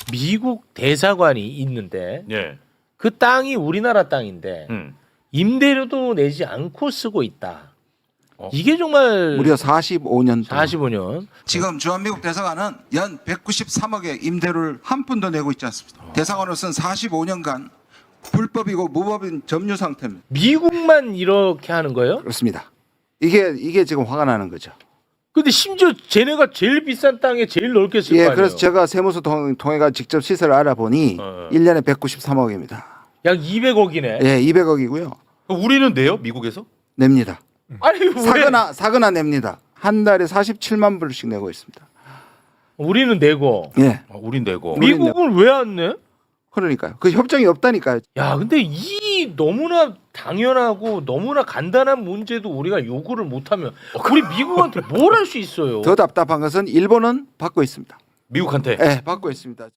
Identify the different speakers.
Speaker 1: 미국 대사관이 있는데
Speaker 2: 예.
Speaker 1: 그 땅이 우리나라 땅인데 임대료도 내지 않고 쓰고 있다. 이게 정말
Speaker 3: 무려 45년 동안.
Speaker 1: 45년.
Speaker 4: 지금 주한미국 대사관은 연 193억의 임대료를 한 푼도 내고 있지 않습니다. 대사관으로서는 45년간 불법이고 무법인 점유 상태입니다.
Speaker 1: 미국만 이렇게 하는 거예요?
Speaker 3: 그렇습니다. 이게 지금 화가 나는 거죠.
Speaker 1: 근데 심지어 쟤네가 제일 비싼 땅에 제일 넓게 쓸 거
Speaker 3: 예,
Speaker 1: 아니에요?
Speaker 3: 그래서 제가 세무서 통해가 직접 시세를 알아보니 1년에 193억입니다.
Speaker 1: 약 200억이네.
Speaker 3: 예, 200억이고요.
Speaker 2: 우리는 내요? 미국에서?
Speaker 3: 냅니다.
Speaker 1: 아니 왜?
Speaker 3: 사거나 냅니다. 한 달에 47만 불씩 내고 있습니다.
Speaker 1: 우리는 내고
Speaker 3: 예,
Speaker 2: 우린 내고.
Speaker 1: 미국은 왜 안 내?
Speaker 3: 그러니까요. 그 협정이 없다니까요.
Speaker 1: 야, 근데 이 너무나 당연하고 너무나 간단한 문제도 우리가 요구를 못하면 우리 미국한테 뭘 할 수 있어요?
Speaker 3: 더 답답한 것은 일본은 받고 있습니다.
Speaker 2: 미국한테.
Speaker 3: 예, 받고 있습니다.